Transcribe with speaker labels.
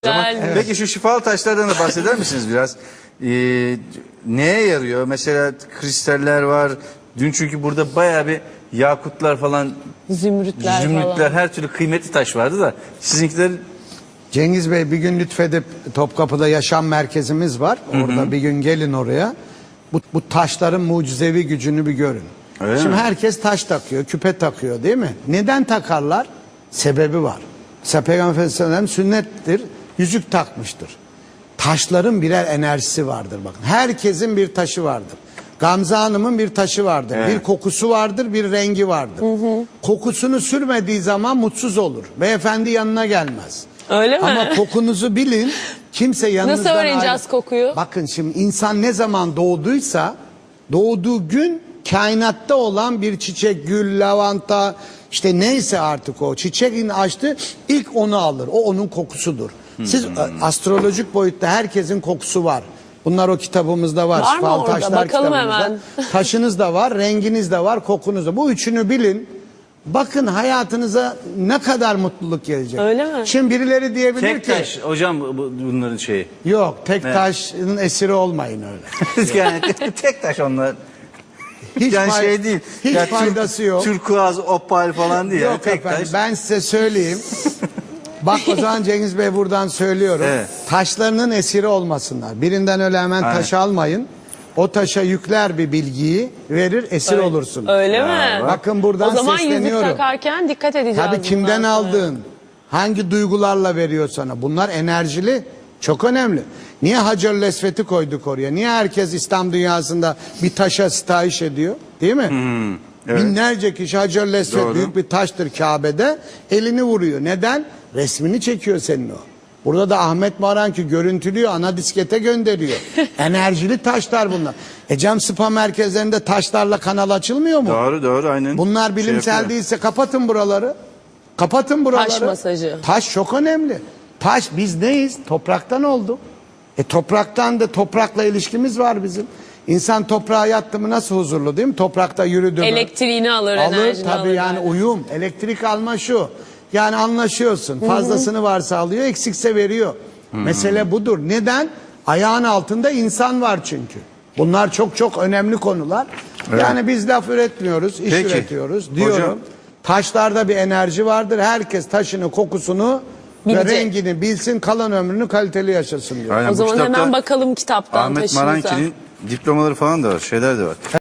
Speaker 1: Evet. Peki şu şifalı taşlardan da bahseder misiniz biraz? Neye yarıyor? Mesela kristaller var. Dün çünkü burada bayağı bir yakutlar falan,
Speaker 2: Zümrütler
Speaker 1: zümrütler,
Speaker 2: falan.
Speaker 1: her türlü kıymetli taş vardı da sizinkiler...
Speaker 3: Cengiz Bey bir gün lütfedip Topkapı'da yaşam merkezimiz var. Orada bir gün gelin oraya. Bu taşların mucizevi gücünü bir görün.
Speaker 1: Öyle
Speaker 3: Şimdi
Speaker 1: mi?
Speaker 3: herkes taş takıyor, küpe takıyor değil mi? Neden takarlar? Sebebi var. Mesela Peygamber Efendimiz sünnettir, yüzük takmıştır. Taşların birer enerjisi vardır bakın. Herkesin bir taşı vardır. Gamze Hanım'ın bir taşı vardır.
Speaker 1: Evet.
Speaker 3: Bir kokusu vardır, bir rengi vardır. Kokusunu sürmediği zaman mutsuz olur. Beyefendi yanına gelmez.
Speaker 2: Öyle mi?
Speaker 3: Ama kokunuzu bilin. Kimse yanınızdan
Speaker 2: Nasıl öğreneceğiz kokuyu?
Speaker 3: Bakın şimdi insan ne zaman doğduysa doğduğu gün kainatta olan bir çiçek, gül, lavanta işte neyse artık o çiçeğin açtı ilk onu alır. O onun kokusudur. Siz astrolojik boyutta herkesin kokusu var. Bunlar o kitabımızda var.
Speaker 2: Var mı
Speaker 3: Şifalı
Speaker 2: orada?
Speaker 3: Taşlar
Speaker 2: Bakalım
Speaker 3: kitabımızda.
Speaker 2: hemen.
Speaker 3: Taşınız da var, renginiz de var, kokunuz da. Bu üçünü bilin. Bakın hayatınıza ne kadar mutluluk gelecek.
Speaker 2: Öyle mi?
Speaker 3: Şimdi birileri diyebilir
Speaker 1: Tek
Speaker 3: ki
Speaker 1: taş hocam bunların şeyi.
Speaker 3: yok tek
Speaker 1: Evet.
Speaker 3: taşın esiri olmayın öyle.
Speaker 1: Yani tek taş onlar.
Speaker 3: Hiç
Speaker 1: Yani
Speaker 3: fay-
Speaker 1: şey değil.
Speaker 3: hiç
Speaker 1: Ya
Speaker 3: faydası yok.
Speaker 1: Turkuaz, opal falan değil. Yani
Speaker 3: Yok
Speaker 1: tek
Speaker 3: efendim
Speaker 1: taş.
Speaker 3: ben size söyleyeyim. Bak o zaman Cengiz Bey buradan söylüyorum.
Speaker 1: Evet.
Speaker 3: Taşlarının esiri olmasınlar. Birinden öyle hemen
Speaker 1: Aynen.
Speaker 3: taş almayın. O taşa yükler bir bilgiyi verir esir olursun.
Speaker 2: Öyle mi?
Speaker 3: Bakın buradan
Speaker 2: O zaman yüzük
Speaker 3: sesleniyorum.
Speaker 2: takarken dikkat edeceğiz.
Speaker 3: Tabii kimden
Speaker 2: bundan sonra.
Speaker 3: aldığın, hangi duygularla veriyor sana. Bunlar enerjili, çok önemli. Niye Hacer-ül Esved'i koyduk oraya? Niye herkes İslam dünyasında bir taşa sitayiş ediyor? Değil mi?
Speaker 1: evet.
Speaker 3: Binlerce kişi Hacer-ül Esved
Speaker 1: Doğru.
Speaker 3: büyük bir taştır Kabe'de. Elini vuruyor. Neden? Resmini çekiyor senin o. Burada da Ahmet Maranki görüntülüyor, ana diskete gönderiyor. Enerjili taşlar bunlar. Cam spa merkezlerinde taşlarla kanal açılmıyor mu?
Speaker 1: Doğru aynen.
Speaker 3: Bunlar bilimsel
Speaker 1: yapıyor.
Speaker 3: değilse kapatın buraları. Kapatın buraları.
Speaker 2: Taş masajı.
Speaker 3: Taş çok önemli. Taş biz neyiz? Topraktan olduk. Topraktan da toprakla ilişkimiz var bizim. İnsan toprağa yattı mı nasıl huzurlu değil mi? Toprakta yürüdü mü?
Speaker 2: Elektriğini alır,
Speaker 3: Alır
Speaker 2: enerjini
Speaker 3: tabii
Speaker 2: alır.
Speaker 3: yani uyum. Elektrik alma şu. Yani anlaşıyorsun. Fazlasını varsa alıyor, eksikse veriyor. Mesele budur. Neden? Ayağın altında insan var çünkü. Bunlar çok önemli konular.
Speaker 1: Evet.
Speaker 3: Yani biz laf üretmiyoruz, iş
Speaker 1: Peki.
Speaker 3: üretiyoruz diyorum.
Speaker 1: Hocam.
Speaker 3: Taşlarda bir enerji vardır. Herkes taşını, kokusunu
Speaker 2: Bilecek.
Speaker 3: ve rengini bilsin, kalan ömrünü kaliteli yaşasın diyor.
Speaker 1: Aynen,
Speaker 2: O
Speaker 1: bu
Speaker 2: zaman
Speaker 1: kitapta
Speaker 2: hemen bakalım kitaptan
Speaker 1: Ahmet
Speaker 2: taşınıza.
Speaker 1: Maranki'nin diplomaları falan da var, şeyler de var.